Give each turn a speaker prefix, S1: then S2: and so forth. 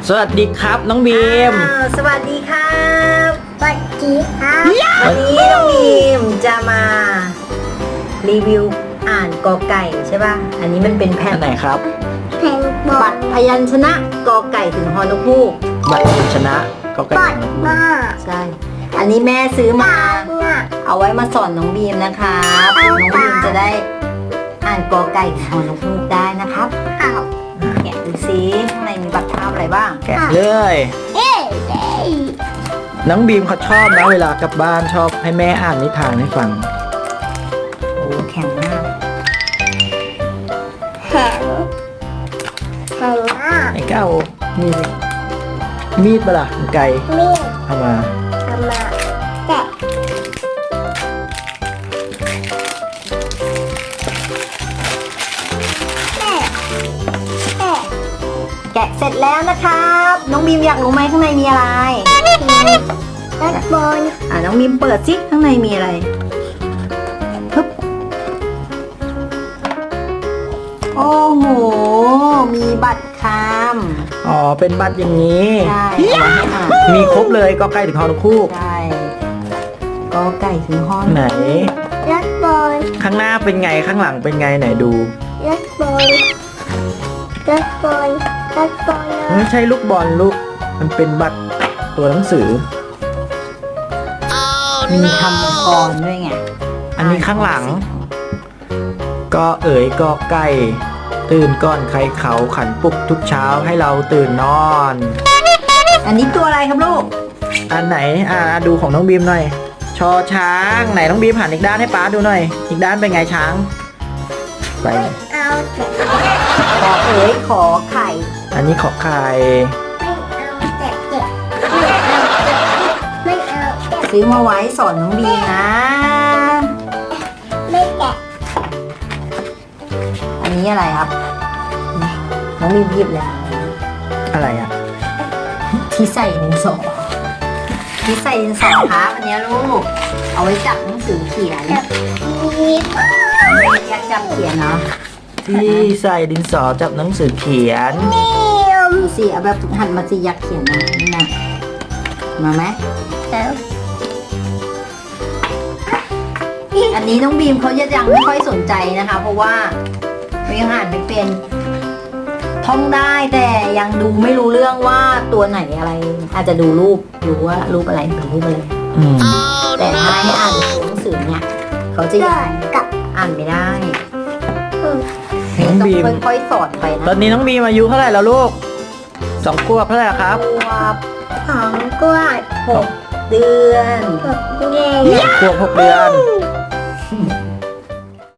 S1: สวัสดีครับน้องบีม
S2: สวัสดีครับสวัสดีครับวันนี้น้องบีมจะมารีวิวอ่านกอไก่ใช่ป่ะอันนี้มันเป็นแผ่น
S1: ไหนครับ
S2: แผ่นบัตรพยัญชนะกอไก่ถึงฮอนกฮูก
S1: บัตรชนะก็ใกล้
S2: ใช่อันนี้แม่ซื้อมาเอาไว้มาสอนน้องบีมนะครับน้องบีมจะได้อ่านกอไก่ถึงฮอนกฮูกได้นะครับแกะดูซิข้างในมีบัตรภาพอะไรบ้าง
S1: แกะเลยน้องบีมเขาชอบนะเวลากลับบ้านชอบให้แม่อ่านนิทานให้ฟัง
S2: โอ้แข็งมากแข็งมาก
S1: ไอ้เก้ามีดปะล่ะไก่
S2: มีด
S1: เอามา
S2: ทำมาแกะแกะเสร็จแล้วนะครับน้องบีมอยากรู้ไหมข้างในมีอะไรด้านบนน้องบีมเปิดซิข้างในมีอะไรฮึบโอ้โหมีบัตรคำ
S1: อ๋อเป็นบัตรอย่างนี้
S2: ใช่เอาไว้ให้อ่าน
S1: มีครบเลยก็ใกล้ถึงฮอนกฮูก
S2: ใช่กอไก่ถึงฮอน
S1: ไหน
S2: ยัดบอล
S1: ข้างหน้าเป็นไงข้างหลังเป็นไงไหนดู
S2: ยัดบอลยัดบอลยัดบอล
S1: ไม่ใช่ลูกบอลลูกมันเป็นบัตรตัวหนังสือ
S2: มีคำกรด้วยไง
S1: อันนี้ข้างหลัง ก็เอ๋ยก็ไก่ตื่นก่อนใครเขาขันปลุกทุกเช้าให้เราตื่นนอน
S2: อันนี้ตัวอะไรครับลูก
S1: อันไหนดูของน้องบีมหน่อย ชอช้างไหนน้องบีมหันอีกด้านให้ป๊าดูหน่อย อีกด้านเป็นไงช้างไป
S2: เอาขอเอ๋ยขอไข่
S1: อันนี้ขอไข่
S2: ไม่เอาซื้อมาไว้สอนน้องบีนะไม่แกะอันนี้อะไรครับน้องบีมหยิบเลย
S1: อะไรอ่ะ
S2: ที่ใส่ดินสอที่ใส่ดินสอครับอันนี้ลูกเอาไว้จับหนังสือเขียนอยากจับเขียนเนาะ
S1: ที่ใส่ดินสอจับหนังสือเขียน
S2: ดูสิเอาแบบหันมาสิอยากเขียนนะนี่นะมาไหมอันนี้น้องบีมเขายังไม่ค่อยสนใจนะคะ เพราะว่าเขายังอ่านไม่เป็นท่องได้แต่ยังดูไม่รู้เรื่องว่าตัวไหนอะไร อาจจะดูรูปรู้ว่ารูปอะไรเป็นรูปอะไร
S1: อืม
S2: แต่ถ้าให้อ่านตัวหนังสือเนี่ยเขาจะยังอ่านไม่ได้
S1: น้องบีม
S2: ต้องค่อยๆสอนไปนะ
S1: ตอนนี้น้องบีมอายุเท่าไหร่แล้วลูก2 ขวบเท่าไหร่ครับ
S2: ของกวาด6 เดือน
S1: 2 ขวบ 6 เดือน